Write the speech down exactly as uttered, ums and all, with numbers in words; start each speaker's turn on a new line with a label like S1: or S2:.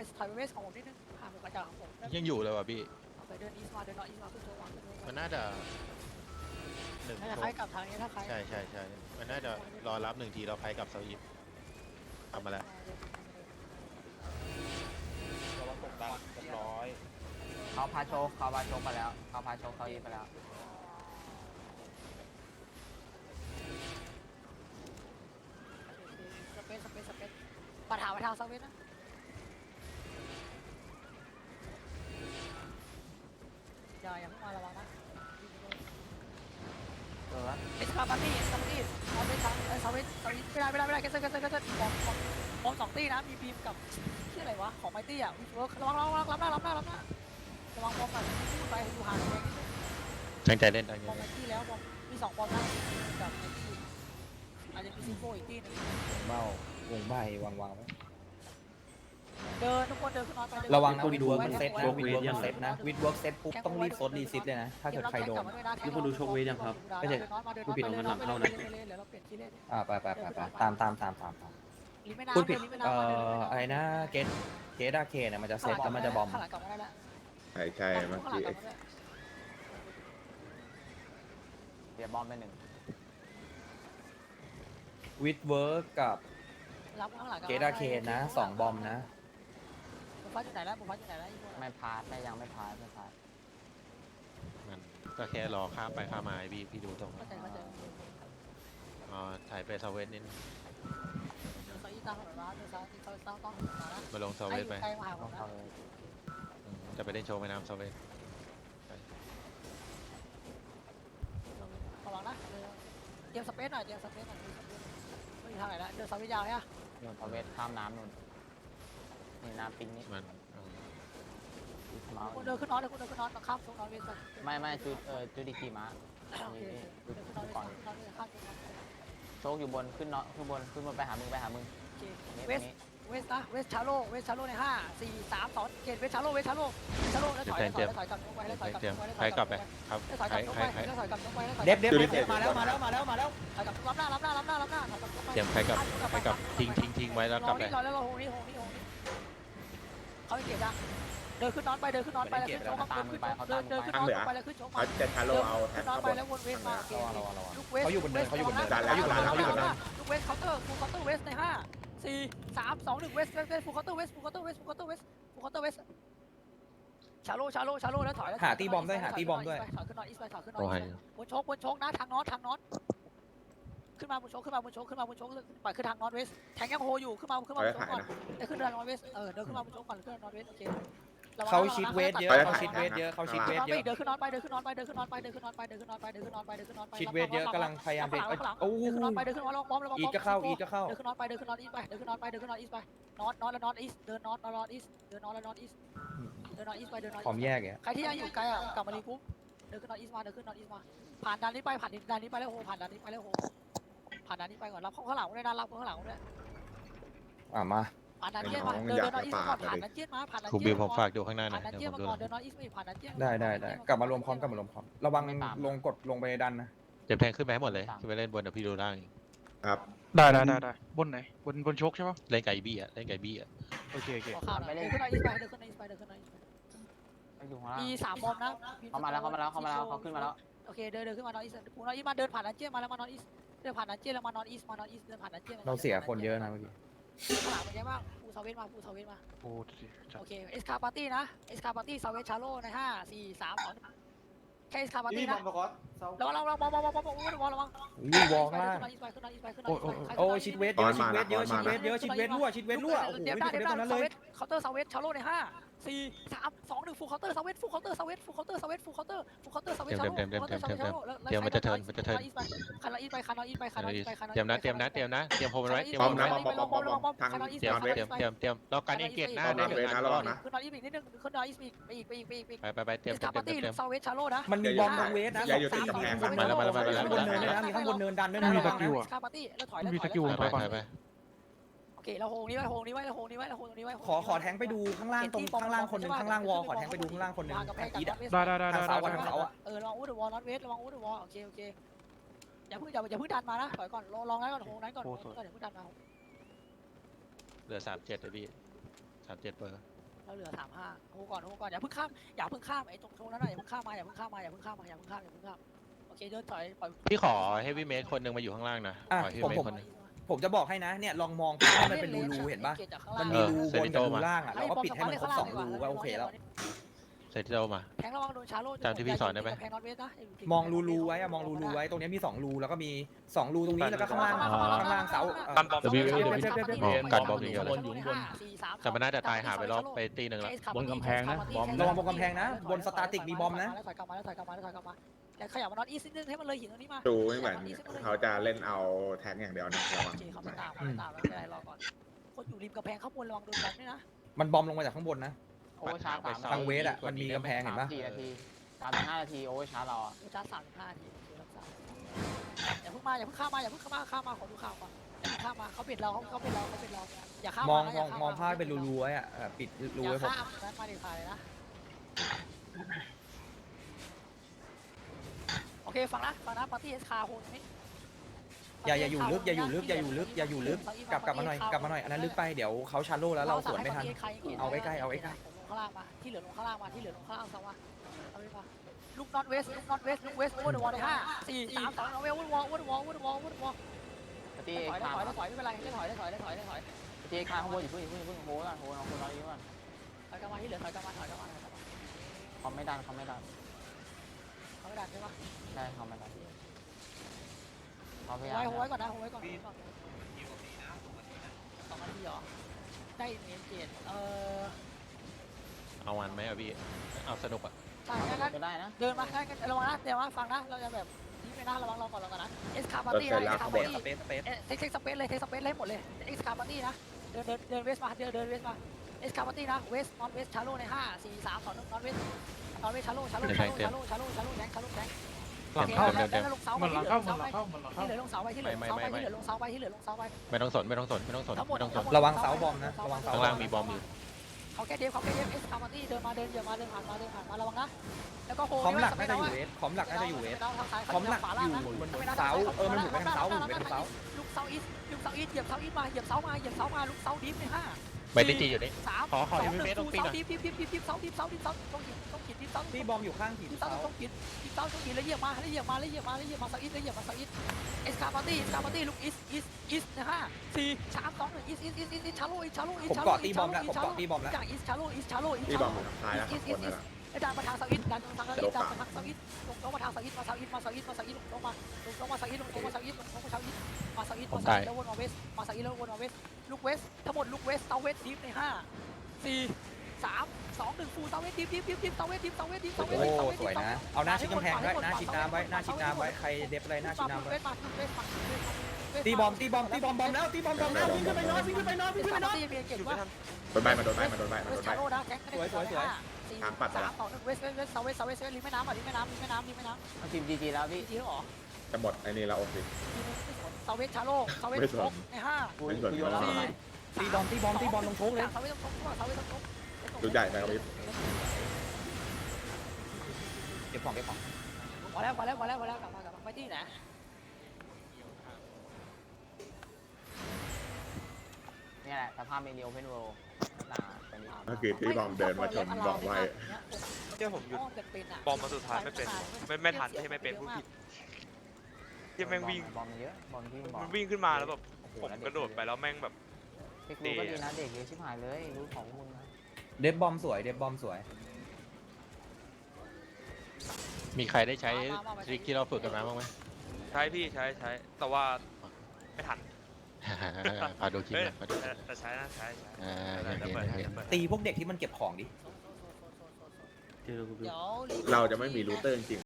S1: ถอยไปเวสของผมนิดนึงห่างผมกระจายของผม
S2: ยังอยู่เลยว่ะพี่
S1: ไปเดินอีสมาเดินนอตอีสมาขึ้นโชว์วางขึ้นโชว์
S2: มันน่าจะหนึ่ง
S1: น่าจะ
S2: โช
S1: คล้าย
S2: ว์
S1: กับทางนี้ถ้าคล้าย
S2: ใช่ใช่ใช่มันน่าจะรอรับหนึ่งทีเราไปกับเซาอีฟทำมาแล้ว
S3: เราตกดันเรียบร้อย
S4: เขาพาโชคเขาพาโชคไปแล้วเขาพาโชคเขาอีไปแล้ว
S1: สเปซสเปซสเปซปัญหาไปทางสเปซนะอย่าอย่าเพิ่งมาระวังนะ
S4: เออ
S1: เอสคาปาร์ตี้เอสคาปาร์ตี้เอาไปทางเออสเปซสเปซไม่ได้ไม่ได้ไม่ได้แคสเซิลแคสเซิลแคสเซิลมองมองมองสองตีนะมีบีมกับชื่ออะไรวะของไมตี้อ่ะวิเวิร์กระวังระวังรับหน้ารับหน้ารับหน้าระวังบอมหน่อยพูดไปอยู่ห่างเอง
S2: ตั้งใจเล่นตั้งใจ
S1: บอมไม
S2: เล่น
S1: ตี้แล้วบอมมีสองบอมนะกับไมตี้อาจจะมีซีโฟอีกตีนึง
S3: เบ้าวงใบวางวางไว้
S1: เดินทุกคนเดินขึ้นนอนไป
S3: ระวังนะวิดเวิร์กมันเซตนะวิดเวิร์กมันเซตนะวิดเวิร์กเซตปุ๊บต้องรีบโซดรีซิตเลยนะถ้าเกิดใครโดน
S1: นี่คุณดูโชคเวทยังครับไม่ใช่ผู้ผิดของมันหลังเข้านะ
S3: อ่าไปไปไปไปตามตามตามตามตาม
S1: พู
S3: พู
S1: ด
S3: ด
S1: ผิ
S3: ผิ
S1: ด
S3: ดเอ่ออะไรนะเกตเกตอาเคเนี่ยมันจะเซตแล้วมันจะบอม
S1: ข้างหลังกลับมาได้แล้ว
S5: ใช่ใช่เมื่อ
S1: ข้างหลัง
S5: กี้
S1: กลับมาได้
S4: เสียบอมไปหนึ่ง
S3: วิดเวิร์กกับ
S1: รับข้างหลัง
S3: เกตอาเคนะสองบอมนะ
S1: บุฟ้าอยู่ไหนแล้วบุฟ้าอยู่ไหนแล้ว
S4: ไม่พาร์ทไม่ยังไม่พาร์ทไม่พาร์ท
S2: มันก็แค่รอข้ามไปข้ามมาไอ้พี่พี่ดูตรง
S1: เข้าใจเข้าใจ
S2: อ๋อถ่ายไปเซาเวสนิด
S1: เดี๋ยวซอยตั้งถนนมาเดี๋ยวซอยต้องต้องต้องมานะ
S2: มาลงเซาเวสไป
S1: ใกล้มาหาผ
S4: ต้อ
S1: ม
S4: ง
S1: นะ
S4: เข้าเลย
S2: อืมจะไปเล่นโชว์แม่น้ำเซาเวส
S1: ระวังนะเตรียมสเปซหน่อยเตรียมสเปซหน่อยไม่มีทางไหนแล้วเดินซอยยาวเนี่ย
S4: นู่นพาเวทข้ามน้ำนู่นนี่น้ำปิงนี่
S2: มันเออ
S4: เมา
S1: คุณเดินขึ้นนอนเดินคุณเดินขึ้นนอนข้ามตรงนอนเวส
S4: ไม่ไม่จุดเออจุดดีกีม้า
S1: โอเคเดินขึ้นนอนเวสขึ้นนอนเวสข้ามตรงนอน
S4: โชคอยู่บนขึ้นเนาะขึ้นบนขึ้นบนไปหามึงไปหามึง
S1: โอเค
S4: นี่
S1: เว
S4: ตร
S1: ส
S4: งนี้
S1: เวสนะเวสชาโลเวสชาโลในห้าสี่สามสองเกตเวสชาโลเวสชาโลชาโลแล้วถอยแล้วถอยแล้วถอยกลับลงไปแล้วถอยกลับ
S2: เตรียม
S1: ลงไปแล้ว
S2: ใครกลับไปครับ
S1: ถอย
S2: ใค
S1: ก
S2: ร
S1: ลับลง
S2: ใคร
S1: ไป
S2: ใคร
S1: แล้วถอยกลับลงไปแล้วถอย
S3: เด็บเด็บเด็บมาแล้วมาแล้วมาแล้วมาแล้ว
S1: ถอยกลับรับหน้ารับหน้ารับหน้ารับหน้าถอยกลับลงไป
S2: เตรียมใครกลับใครกลับทิ้งทิ้งทิ้งไว้แล้วกลับไป
S1: รอแล้วรอโฮนี่โฮนี่โฮนี่เขาเก็บยังเดินขึ้นนอนไปเดินขึ้นนอนไปแล้วขึ้นโชว์ขึ้นเดินเดินขึ้นนอนไปแล้วขึ้นโชว์
S5: เขาจะชาโลเอาแท็
S1: ขึ้
S5: ก
S1: นนอน
S5: ข้าง
S1: ไป
S5: บน
S1: แล้ววนเวสมา
S3: ระวังระวังระวัง
S1: ลูกเวส
S3: เขาอยู่บนเนินเขาอยู่บนเนิน
S5: เขาอยู่บนเนินเขาอยู่บนเนิน
S1: ลูกเวสเคาน์เตอร์ฟูลเคาน์เตอร์เวสในห้าสี่สามสองหนึ่งเวสเวสเวสฟูลเคาน์เตอร์เวสฟูลเคาน์เตอร์เวสฟูลเคาน์เตอร์เวสฟูลเคาน์เตอร์เวสชาโลชาโลชาโลแล้วถอย
S3: หาตีบอมด้วยหาตีบอมด้วย
S1: ถอยขึ้นนอนอีสไปถอยขึ้นนอน
S2: โอ้
S1: อี
S2: ย
S1: สไปบนโชกบนโชกนะทางน็อตทางน็อตขึ้นมาบนโชกขึ้นมาบนโชกขึ้นมาบนโชกปล่อยขึ้นทางน็อตเวสแทงยังโฮอยู่ขึ้นมาขึ้นมาบนโชกก่อนเดินขึ้นทางน็อตเวสเออเดินขึ้นมาบนโชกก่อนขึ้นทางน็อตเวสโอเค
S3: เขาชิดเวทเยอะเขาชิดเวทเยอะเขาชิดเวทเยอะ
S1: เดินขึ้นนอนไปเดินขึ้นนอนไปเดินขึ้นนอนไปเดินขึ้นนอนไปเดินขึ้นนอนไปเดินขึ้นนอนไปเดินขึ้นนอนไป
S3: ชิดเวทเยอะกำลังพยายามเบรกโอ้
S1: เดินขึ้นนอนไปเดินขึ้นนอนลองบอมลองบอม
S3: อีก็เข้าอีก็เข้า
S1: เดินขึ้นนอนไปเดินขึ้นนอนอีสไปเดินขึ้นนอนไปเดินขึ้นนอนอีสไปนอนนอนแล้วนอนอีสเดินนอนนอนอีสเดินนอนแล้วนอนอีสเดินนอนอีสไปเดินนอน
S3: พร้อมแยกไง
S1: ใครที่ยังอยู่ไกลอ่ะกลับมารีกรุ๊ปเดินขึ้นนอนอีสมาเดินขึ้นนอนอีสมาผ่านด่านนี้ไปผ่านด่านนี้ไปแล้วโหผ่านด่านนี้ไปแล้วโหผ่านด่านนี้ไปก่อนรับข้างหลังด้วยนะรับข้างหลังด้วย
S3: อ่ะมา
S1: ผ่านด่านเจี๊ยบมาเดินเดินนอนอีสก่อนผ่านด่านเจี๊ยบมาผ่านด่าน
S2: ครู
S1: เจี๊
S2: บิ
S1: ยว
S2: ผมฝากดูข้างหน้าหน่
S1: ผ่า
S2: อน ย
S1: ด่าน
S2: เดี๋ยว
S1: เจี๊ย
S2: ผ
S1: บ
S2: ม
S1: มา
S2: ดู
S1: ก่อนเดินนอนอีสไม่ผ่านด่านเจี๊ยบ
S3: ได้ได้ได้กลับมารวมพร้อมกลับมารวมพร้อมระวังลงกดลงไปดันนะ
S2: เตรียมแทงขึ้นไปให้หมดเลยขึ้นไปเล่นบนเดี๋ยวพี่ดูล่าง
S5: ครับ
S6: ได้ได้ได้ได้บนไหนบนบนโชคใช่ปะ
S2: เล่นไก่บี้อ่ะเล่นไก่บี้อ่ะ
S6: โอเคโอเค
S1: ขอข่าวหน่อยเดินขึ้นนอนอีสไปเดินขึ้นนอนอีสไปเดินขึ้นนอนอีสไป
S4: ไปอยู่ข้างล่าง
S1: มีสามบอมนะ
S4: เขามาแล้วเขามาแล้วเขามาแล้วเขาขึ้นมาแล้ว
S1: โอเคเดินเดินขึ้นมานอนอีสปูนอนอีสมาเดินผ่านดันเจี้ยมาแล้วมานอนอีสเดินผ่านดันเจี้ยแล้วมานอนอีสมานอนอีสเดินผ่านดันเจี้ย
S3: เราเสียคนเยอะนะเมื่อกี้
S1: ข้างหลังเป็นไงบ้างปูเซเว่นมาปูเซเว่นมา
S6: โอ้ดีจัด
S1: โอเคเอสคาปาร์ตี้นะเอสคาปาร์ตี้เซเว่นชาโลในห้าสี่สามสองแค่เอสคาปาร์ตี้นะระวังระวังระวังระวังระวังระวังระวังระวัง
S3: อู้วอลข้างล่าง
S1: ขึ้นนอนอีสไปขึ้นนอนอีสไปขึ้นนอนอีสไป
S3: โอ้ชิดเวทเยอะชิดเวทเยอะชิดเวทเยอะชิดเวทรั่วชิดเวทรั่วโอ้โห
S1: เดี๋ยว
S3: ไม่
S1: ได้
S3: ได้
S1: เดี๋ยว
S3: ตรงนั้น
S1: ได้
S3: เลย
S1: เคาน์เตอร์เซเว่นชาโลในห้าสี่สามสองหนึ่งฟูลเคาน์เตอร์เซเว่นฟูลเคาน์เตอร์เซเว่นฟูลเคาน์เตอร์เซเว่นฟูลเคาน์เตอร์ฟูลเคาน์เตอร์เซเว่นชาโลคันนออีสไปคันนออีสไปคันนออีสไปคันนออีสไปคันนออีส
S2: เตรียมนะเตรียมนะเตรียมนะเตรียมโฮมไว้เตรียม
S5: พร้อ
S2: โฮ
S5: ม
S2: ม
S5: นะ
S2: ไว้
S5: บอมบอมบอมบอมทาง
S2: เตรียมเตรียมเตรียมเตรียมรอการเองเกตหน้าได้หนึ่งอัน
S5: ระวังนะ
S1: ขึ้นนอนอีสอีกนิดนึงขึ้นนอนอีสอีกไปอีกไปอีกไปอีกไปอีก
S2: ไปไปไปเตรียม
S1: ส
S2: เตรีย
S1: คาม ปาร์ตี้
S2: เตรียม
S1: เซเว่นชาโลนะ
S3: มันมีบอมตรงเวทนะ
S5: อย่าอยู่ติดกำแพง
S3: ข้างบน
S2: มาแล้วมาแล้วมาแล้ว
S3: ข้างบนเนินด้วยนะมีข้างบนเนินดันด้วยนะ
S6: มีตะกิ้ว
S1: สคาปาร์ตี้แล้วถอย
S6: ไม่
S1: แล้ว
S6: มี
S1: ถ
S6: ส
S1: อย
S6: กิล
S1: แล้ว
S2: ไป
S6: ถอยก่อน
S2: ไปไป
S1: โอเคเราโฮงนี้ไว้โฮงนี้ไว้โฮงนี้ไว้โฮงนี้ไว้
S3: ขอขอแทงไปดูข้างล่างตรงข้างล่างคนหนึ่งข้างล่างวอลขอแทงไปดูข้างล่างคนหนึ่ง
S1: วางกับแพ
S3: ทาง
S1: ง
S3: อีดอะ
S6: ได้ได้ได้
S3: ทาง
S6: ได้
S3: เสา
S6: ได้
S3: อะทางเสาอะ
S1: เออระวังอูดวอลนอตเวสระวังอูดวอลโอเคโอเคอย่าเพิ่งอย่าอย่าเพิ่งดันมานะถอยก่อนลองลองนั้นก่อนโฮงนั้นก่อนก็เดี๋ยวเพิ่งดันมา
S2: เหลือสามเจ็ดเลยพี่สามเจ็ดเปอร์
S1: เราเหลือสามห้าโอ้ก่อนโอ้ก่อนอย่าเพิ่งข้ามอย่าเพิ่งข้ามไอ้ตรงตรงนั้นน่ะอย่าเพิ่งข้ามมาอย่าเพิ่งข้ามมาอย่าเพิ่งข้ามมาอย่าเพิ่งข้ามอย่าเพิ่งข้ามโอเคเดินถอยปล่อย
S2: พี่ขอเฮฟวี่เมทคนหนึ่งมาอยู่ข้างล่างนะ
S3: อ่ะ
S2: ขอเฮฟ
S3: ผม
S2: วี่เมท
S3: ผม
S2: คนหนึ่ง
S3: ผมจะบอกให้นะเนี่ยลองมองภาพให้มันเป็นรูๆเห็นปะมันมีรูบนกับรูล่างอ่ะเราก็ปิดให้มันครบสองรูก็โอเคแล้ว
S2: เซตที่เรามา
S1: แทงระวังโดนชาโล
S2: จำที่พี่สอนได้ไหม
S1: แทงน็อตเวสนะ
S3: มองรูๆไว้อะมองรูๆไว้ตรงนี้มีสองรูแล้วก็มีสองรูตรงนี้แล้วก็ข้างล่างข้างล่างเสา
S7: กันบอม
S2: W W มองกันบอม
S1: อ
S2: อย่างเดียวเลย
S1: อยู่บน
S2: แต่มันน่าจะตายหาไปรอบไปตีหนึ่งแล้ว
S8: บนกำแพงนะบอม
S3: ระวังบนกำแพงนะบนสตาร์ติกมีบอมนะ
S1: แล้วถอยกลับมาแล้วถอยกลับมาแล้วถอยกลับมาแล้วขยับมาน็อตอีสนิดนึงให้มันเลยหินตรงนี้มา
S5: ดูไม่เหมือนเขาจะเล่นเอาแท็กอย่างเดียวนะระวัง
S1: โอเคเขาไม่ตามเขาไม่ตามไม่เป็นไรรอก่อนคนอยู่ริมกำแพงข้างบนระวังโดนแบงค์ด้วยนะ
S3: มันบอมลงมาจากข้างบนนะ
S4: โอเวอร์ชาร์จสาม
S3: ทางเวสอะมันมีกำแพงเห็นปะ
S4: สี่นาทีสามถึงห้านาทีโอเวอร์ชาร์จเราอะ
S1: ดูจ้าสามสิบห้าทีรักษาอย่าเพิ่งมาอย่าเพิ่งข้ามมาอย่าเพิ่งข้ามมาข้ามมาขอดูข่าวก่อนอย่าข้ามมาเขาปิดเราเขาเขาปิดเราเขาปิดเราอย่าข้าม
S3: มอง
S1: นะ
S3: มองมองภาพเป็นรูๆไว้อะเออปิดรู
S1: อย่า
S3: ไว้ผม
S1: ข้ามนั้นมาเด็ดขาดเลยนะโอเคฟังนะฟังนะปาร์ตี้เอสคาโฮนนี่
S3: อย่าอย่าอยู่ลึกอย่าอยู่ลึกอย่าอยู่ลึกอย่าอยู่ลึกกลับกลับมาหน่อยกลับมาหน่อยอันนั้นลึกไปเดี๋ยวเขาชาร์โลแล้วเราสวนไม่ทัน เอาไว้ใกล้เอาไว้ใกล้
S1: ลงข้างล่างมาที่เหลือลงข้างล่างมาที่เหลือลงข้างล่างซะว่าเอาไปป่ะลูกน็อตเวสลูกน็อตเวสลูกเวสโอเวอร์เดอะวอลในห้าสี่สามสองเอาเวลโอเวอร์วอลโอเวอร์วอลโอเวอร์วอลโอเวอร์วอล
S4: ปฏิ
S1: ถอยได้
S4: คา
S1: ถอยได้ถอยไม่เป็นไรได้ถอยได้ถอยได้ถอยได้ถอย
S4: ปฏิคาข้างบนอยู่เพิ่งเพิ่งเพิ่งโหก่อนโหน้องคนน้อยก่อน
S1: ถอยกลับมาที่เหลือถอยกลับมาถอยกลับมาถอยกลับมา
S4: เขาไม่ดันเขาไม่ดัน
S1: เขาไม่ดันใช่ปะ
S4: ใช่เขาไม่ดันเขาพยายา
S1: ไว้
S4: ม
S1: โหไว้ก่อนนะโหไว้ก่อนสองนาทีเหรอได้เมนเกตเออ
S2: เอาวันไหมอ่ะพี่เอาสนุกอ่ะ
S1: ใช่งั้น
S4: ก็ได้นะ
S1: เดินมาได้ระวังนะเดี๋ยวว่าฟังนะเราจะแบบนี่ไปนะระวังเราก่อนเราก่อนนะเอสคาปาร์ตี้นะเอสคา
S3: เบ
S1: ปาร์
S3: ส
S1: ตี้
S3: สเปซสเปซ
S1: เทคเทคสเปซเลยเทคสเปซเลยหมดเลยเอ็กซ์คาร์ปาร์ตี้นะเดินเดินเดินเวสมาเดินเดินเวสมาเอ็กซ์คาร์ปาร์ตี้นะเวสนอตเวสชาโลในห้าสี่สามสองหนึ่งนอตเวสนอตเวสชาโลชาโลชาโลชาโลชาโลชาโลแทงชาโลแทง
S6: หลังเข้า
S1: แล้วลงเสา
S6: มั
S1: ไป
S6: นหลังเข้ามันหลังเข้ามันหลังเข้า
S1: ที่เหลือลงเสาไปที่เหลือลงเสาไปที่เหลือลงเสาไปที่เหลือลงเสาไป
S2: ไม่ต้องสนไม่ต้องสนไม่ต้องสน
S1: ทั้งหมด
S2: ไม่ต้องสน
S3: ระวังเสาบอมนะระวังเสา
S2: ข้างล่างมีบอมอยู่
S1: เขาแค่เดฟเขาแค่เดฟเอ็กซ์คาร์ปาร์ตี้เดินมาเดินเยอะมาเดินผ่านมาเดินผ่านมาระวังนะแล้วก็โฮ
S3: คอมหลักน่าจะอยู่เวสคอมหลักน่าจะอยู่เวสคอมหลักอยู่บนเสาเออมันหมุนไปทางเสาหมุนไปทางเสา
S1: ลูกเสาอีสลูกเสาอีสเหยียบเสาอีสมาเหยียบเสามาเหยียบเสามาลูกเสาดิฟในห้า
S2: ไม่ได้จีอยู่นี่
S1: สาม
S2: ขอขอ
S1: สองห
S2: เอ
S1: นึ่ง
S2: เมตรตรงปี
S1: เสา
S2: หน่อย
S1: ดิฟดิฟดิฟดิฟเสาดิฟเสาดิฟเสาต้องหินต้องหินดิฟเสา
S3: ที่บอมอยู่ข้างหิน
S1: ดิฟเสา
S3: เสา
S1: ต้องหินดิฟเสาต้องหินแล้วเหยียบมาแล้วเหยียบมาแล้วเหยียบมาแล้วเหยียบมาเสาอีสแล้วเหยียบมาเสาอีสเอสคาร์ปาร์ตี้เอสคาร์ปาร์ตี้ลูกอีสอีสอีสนะฮะสี่สามสองหนึ่งอีสอีสอีสอีสชาโลอีสชาโลอีส
S3: ผม
S1: ชาโล
S3: เกาะตีบอมแล้วผมเกาะตีบอมแล้ว
S1: จากอีสชาโลอีสชาโลอีส
S5: ที่
S1: ชา
S5: บ
S1: โล
S5: อมท้ายแล้วคนนั่นแหละ
S1: แล้วดันมาทางเสาอินดันมาทางเสาอินดันมาทางเสาอินลงลงมาทางเสาอินมาเสาอินมาเสาอินมาเสาอินลงมาลงลงมาเสาอินลงลงมาเสาอินลงลงมาเสาอินมาเสาอินมาเสาอินแล้ววนมาเวสมาเสาอินแล้ววนมาเวสลูกเวสทั้งหมดลูกเวสเสาเวสดิฟในห้าสี่สามสองหนึ่งฟูเสาเวสดิฟดิฟดิฟดิฟเสาเวสดิฟเสาเวสดิฟเสาเว
S3: โอ้
S1: สเสาเวส
S3: สวยนะ เอาหน้าชิดกำแพงไว้หน้าชิดน้ำไว้หน้าชิดน้ำไว้ใครเด็บอะไรหน้าชิดน้ำไว้
S1: เวสมาเวสมาเวสมา
S3: ตีบอมตีบอมตีบอมบอมแล้วตีบอมบอมแล้ววิ่งขึ้นไปนอนวิ่งขึ้นไปนอนวิ่งขึ้นไปนอน
S1: ตีเมียเก่งว่า
S5: โดนใบมาโดนใบมาโดนใบมา
S1: เว
S5: โด
S1: ส
S5: นใบ
S1: ชาโลนะแก๊งสี่สามสองหนึ่งเวสเวสเวสเสาเวสเสาเวสริมแม่น้ำอ่ะริมแม่น้ำริมแม่น้ำริมแม่น้ำ
S4: มันทีมจีจีแล้วพี่
S1: จริงเหรอ
S5: จะหมดไอ้นี่เราโอเค
S1: เสาเวสชาโลเสาเวสโคกในห้า
S4: กูกูโยนแล้ว
S3: ตีบอมตีบอมตีบอมลงโชกเลย
S1: เสาเวสต้องโคกเสาเวสต้องโคก
S5: ดูใหญ่ไหมครับพี่
S3: เก็บของเก็บของ
S1: พอแล้วพอแล้วพอแล้วพอแล้วกลับมากลับมาไปที่ไหน
S4: นี่แหละสภาพเมนิโอเพนโรหน้าเป็น
S5: เมื่อกี้ที่บอมเดินมาชนบอกไว้
S7: เจ้าผมหยุดบอมมาสุดท้ายไม่เป็นไม่ไม่ทันไม่ใช่ไม่เป็นพูดผิดยังแม่งวิ่ง
S4: บอลเยอะบอลที่บอล
S7: มันวิ่งขึ้นมาแล้วแบบผมกระโดดไปแล้วแม่งแบบ
S4: เทคนิคก็ดีนะเด็กเยอะชิบหายเลยรู้ของมึงนะ
S3: เด็บบอมสวยเด็บบอมสวย
S2: มีใครได้ใช้ทริคที่เราฝึกกันมาบ้างไหม
S7: ใช้พี่ใช้ใช้แต่ว่าไม่ทัน
S2: พาดูคลิป
S7: เฮ้ย
S2: หน่อยพาดู
S7: แต่แต่ใช้นะใช้ใช้
S2: อ่า
S7: เดี๋ยว
S2: โอเค
S7: เปิด
S2: โอ
S7: ให้
S2: เค
S7: เดี๋ยวเปิด
S3: ตีพวกเด็กที่มันเก็บของดิ
S1: เดี๋ยว
S5: เราจะไม่มีรูเตอร์จริง